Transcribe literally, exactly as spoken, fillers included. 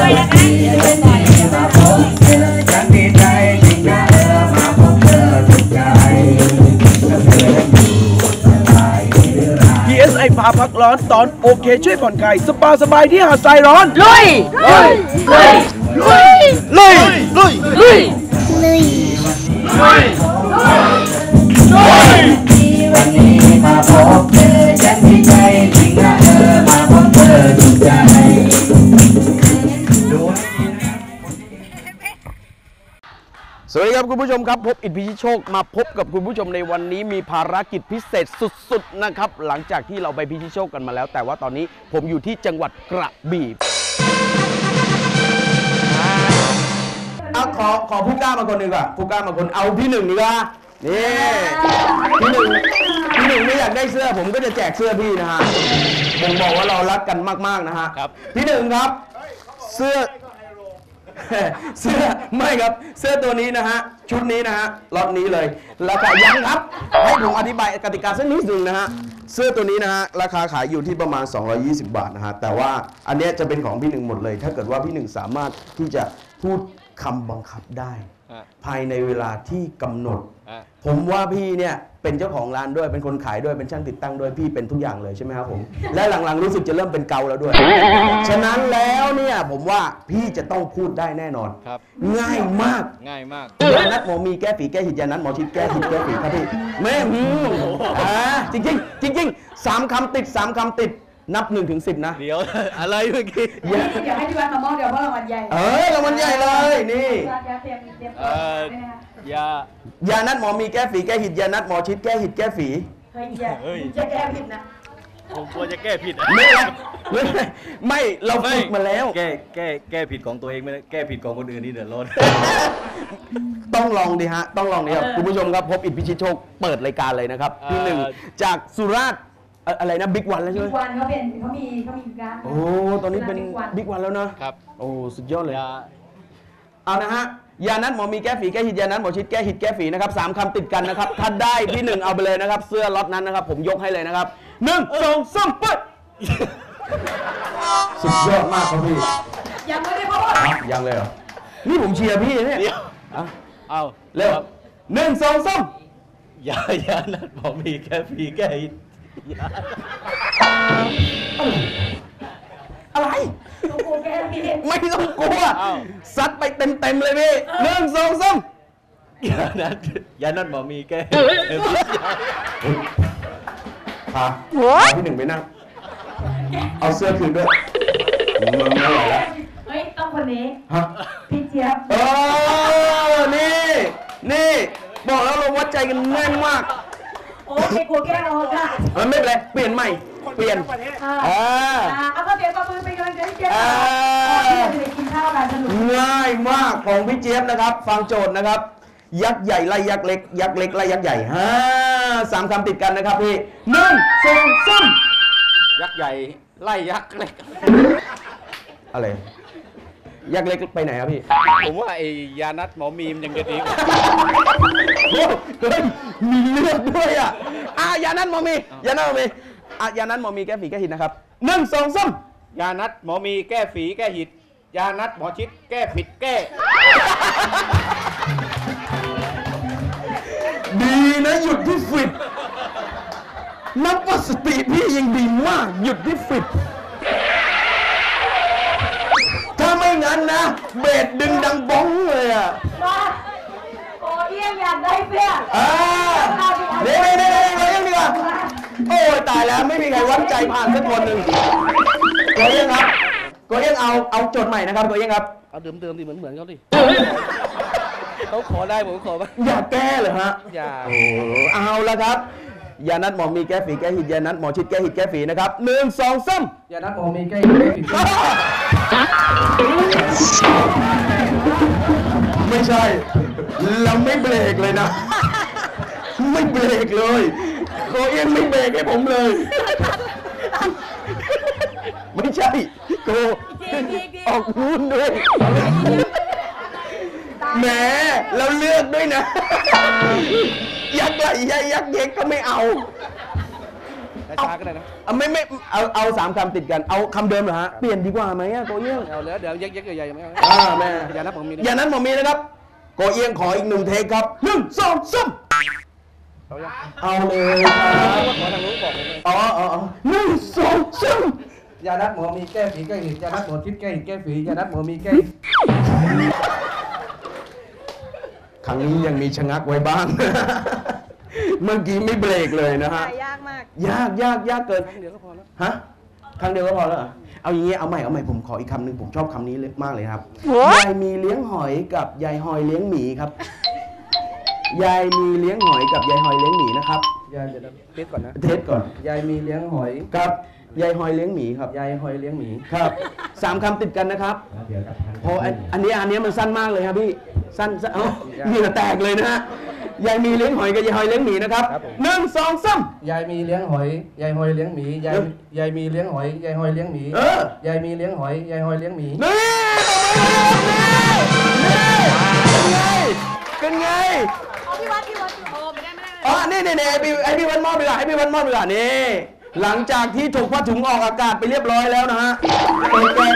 ด้วยนะคะมาพบเธอฉันดีใจจริงนะเออมาพบเธอถูกใจเธออยู่สบายหรือไรพี เอส ไอ พาพักร้อนตอนโอเคช่วยผ่อนคลายสปาสบายที่หาดทรายร้อนลุยลุยลุยลุยลุยลุยลุยลุยวันนี้มาพบเธอฉันดีใจจริงนะเออมาพบเธอถูกใจสวัสดีครับคุณผู้ชมครับพบอิทธิพิชิตโชคมาพบกับคุณผู้ชมในวันนี้มีภารกิจพิเศษสุดๆนะครับหลังจากที่เราไปพิชิตโชคกันมาแล้วแต่ว่าตอนนี้ผมอยู่ที่จังหวัดกระบี่เอาขอขอผู้กล้ามาคนหนึ่งก่อนผู้กล้ามาคนเอาพี่หนึ่งดีกว่านี่พี่หนึ่งพี่หนึ่งไม่อยากได้เสื้อผมก็จะแจกเสื้อพี่นะฮะผมบอกว่าเรารักกันมากๆนะฮะครับพี่หนึ่งครับเสื้อเสื้อไม่ครับเสื้อตัวนี้นะฮะชุดนี้นะฮะล็อตนี้เลยราคายังครับให้ผมอธิบายกติกาสักนิดหนึ่งนะฮะเสื้อตัวนี้นะฮะราคาขายอยู่ที่ประมาณสองร้อยยี่สิบบาทนะฮะแต่ว่าอันนี้จะเป็นของพี่หนึ่งหมดเลยถ้าเกิดว่าพี่หนึ่งสามารถที่จะพูดคำบังคับได้ภายในเวลาที่กำหนดผมว่าพี่เนี่ยเป็นเจ้าของร้านด้วยเป็นคนขายด้วยเป็นช่างติดตั้งด้วยพี่เป็นทุกอย่างเลยใช่ไหมครับผมและหลังๆรู้สึกจะเริ่มเป็นเกาแล้วด้วยฉะนั้นแล้วเนี่ยผมว่าพี่จะต้องพูดได้แน่นอนครับง่ายมากง่ายมากยานัดหมอมีแก้ฝีแก้หิดยานัดหมอชิดแก้หิดแก้ฝีครับพี่แม่หืมอ่าจริงจริงจริงสามคำติดสามคำติดนับหนึ่งถึงสิบนะเดี๋ยวอะไรเมื่อกี้เดี๋ยวให้พี่วันมามองเดี๋ยวเพราะรางวัลใหญ่เออรางวัลใหญ่เลยนี่เออยายานัดหมอมีแก้ฝีแก้หิดยานัดหมอชิดแก้หิดแก้ฝีเฮ้ยอย่าจะแก้ผิดนะผมกลัวจะแก้ผิดไม่ไม่ไม่เราฝึกมาแล้วแก้แก้แก้ผิดของตัวเองไม่ได้แก้ผิดของคนอื่นนี่เดือดร้อนต้องลองดิฮะต้องลองดิครับคุณผู้ชมครับพบอิทธิพิชิตโชคเปิดรายการเลยนะครับที่หนึ่งจากสุราษฎร์อะไรนะบิ๊กวันแล้วใช่ไหมบิ๊กวันเขาเป็นเขามีเขามีร้านโอ้ตอนนี้เป็นบิ๊กวันแล้วนะครับโอ้สุดยอดเลยเอานะฮะยานัดหมอมีแก้ฝีแก้หิดยานัดหมอชิดแก้หิดแก้ฝีนะครับสามคำติดกันนะครับถ้าได้พี่หนึ่งเอาไปเลยนะครับเสื้อล็อตนั้นนะครับผมยกให้เลยนะครับหนึ่งสองสามไปสุดยอดมากครับพี่ยังไม่ได้พูดยังเลยเหรอนี่ผมเชียร์พี่เนี่ยเอาเร็วหนึ่งสองสามยายานัดหมอมีแก้ฝีแก้หิดอะไรไม่ต้องกลัวซัดไปเต็มเต็มเลยพี่หนึ่งสองสามยานัดยานัดหมอมีแก้พาพี่หนึ่งไปนั่งเอาเสื้อคืนด้วยมันไม่ไหวแล้วเฮ้ยต้องคนนี้ฮะพี่เจี๊ยบเออนี่นี่บอกแล้วเราวัดใจกันแน่นมากโอ้ยกลัวแก้วค่ะมันไม่เป็นไรเปลี่ยนใหม่เปลี่ยนอ่าเอาก็เดี๋ยวก็มือไปเลยเดี๋ยวเจี๊ยบจะไปกินข้าวกันสนุกง่ายมากของพี่เจี๊ยบนะครับฟังโจทย์นะครับยักษ์ใหญ่ไล่ยักษ์เล็กยักษ์เล็กไล่ยักษ์ใหญ่ฮ่าสามคำติดกันนะครับพี่หนึ่งสองสามยักษ์ใหญ่ไล่ยักษ์เล็กอะไรยักษ์เล็กไปไหนครับพี่ผมว่าไอ้ยานัดหมอมีมยังจะดีกว่าเฮ้ยมีเลือดด้วยอ่ะอ่ะยานัดหมอมียานัดหมอมีอ่ะยานัดหมอมีแก้ฝีแก้หิดนะครับหนึ่งสองสามยานัดหมอมีแก้ฝีแก้หิดยานัดหมอชิดแก้ผิดแก้ดีนะหยุดที่ฟิตนับว่าสติพี่ยังดีมากหยุดที่ฟิตถ้าไม่งั้นนะเบสดึงดังบ้องเลยอ่ะโอ้ยอยากได้เสื้ออ่าเดี๋ยวเดี๋ยวเดี๋ยวเดี๋ยวดีกว่าโอ้ยตายแล้วไม่มีใครวัดใจผ่านสักคนหนึ่งโกเอี้ยงครับโกเอี้ยงเอาเอาโจทย์ใหม่นะครับโกเอี้ยงครับเอาเดิมเดิมดิเหมือนเหมือนเขาดิเขาขอได้ผมขอไหมอย่าแก้เลยฮะอย่าโอ้เอาละครับยานัดหมอมีแก้ฝีแก้หิดยานัดหมอชิดแก้หิดแก้ฝีนะครับหนึ่งสองสามยานัดหมอมีแก้หิดแก้ฝีไม่ใช่เราไม่เบรกเลยนะไม่เบรกเลยโกเอี้ยงไม่เบรกให้ผมเลยไม่ใช่โกออกนู้นด้วยแหมเราเลือกด้วยนะยักษ์ใหญ่ยักษ์เล็กก็ไม่เอาช้าๆก็ได้นะเอาไม่ไม่เอาเอาสามคำติดกันเอาคำเดิมเหรอฮะเปลี่ยนดีกว่าไหมอะโกเอี้ยงเอาแล้วเดี๋ยวยักๆใหญ่ๆไม่เอาอ่าแม่อย่านับผมมีอย่านั้นผมมีนะครับโกเอี้ยงขออีกหนึ่งเทคครับหนึ่งสองสามเอายังเอาเลยครับขอทางนู้นบอกเลยอ๋ออ๋ออ๋อหนึ่งสองสามยานัดหมอมีแก้ฝีแก้หิดยานัดหมอชิดแก้หิดแก้ฝียานัดหมอมีแก้ครั้งนี้ยังมีชะงักไว้บ้าง เมื่อกี้ไม่เบรกเลยนะฮะยากมากยากยากยากเกินเดี๋ยวก็พอแล้วฮะครั้งเดียวก็พอแล้วเหรอเอาอย่างงี้เอาใหม่เอาใหม่ผมขออีกคำหนึ่งผมชอบคำนี้เลยมากเลยครับยายมีเลี้ยงหอยกับยายหอยเลี้ยงหมีครับยายมีเลี้ยงหอยกับยายหอยเลี้ยงหมีนะครับยายเดี๋ยวเทสก่อนนะเทสก่อนยายมีเลี้ยงหอยครับยายหอยเลี้ยงหมีครับยายหอยเลี้ยงหมีครับสามคำติดกันนะครับเดี๋ยวกับทางโอ้อันอันนี้อันนี้มันสั้นมากเลยครับพี่สั้นสั้นเอ้าเหงื่อแตกเลยนะฮะยายมีเลี้ยงหอยกับยายหอยเลี้ยงหมีนะครับหนึ่งสองสามยายมีเลี้ยงหอยยายหอยเลี้ยงหมียายยายมีเลี้ยงหอยยายหอยเลี้ยงหมีเออยายมีเลี้ยงหอยยายหอยเลี้ยงหมีนี่เป็นไงเป็นไงเอาพี่วัดพี่วัดโอ้ไม่ได้ไม่ได้อ๋อนี่นี่นี่ไอพี่ไอพี่วันมอบดีกว่าไอพี่วันมอบดีกว่านี่หลังจากที่ถูกผ้าถุงออกอากาศไปเรียบร้อยแล้วนะฮะเปิดแกะ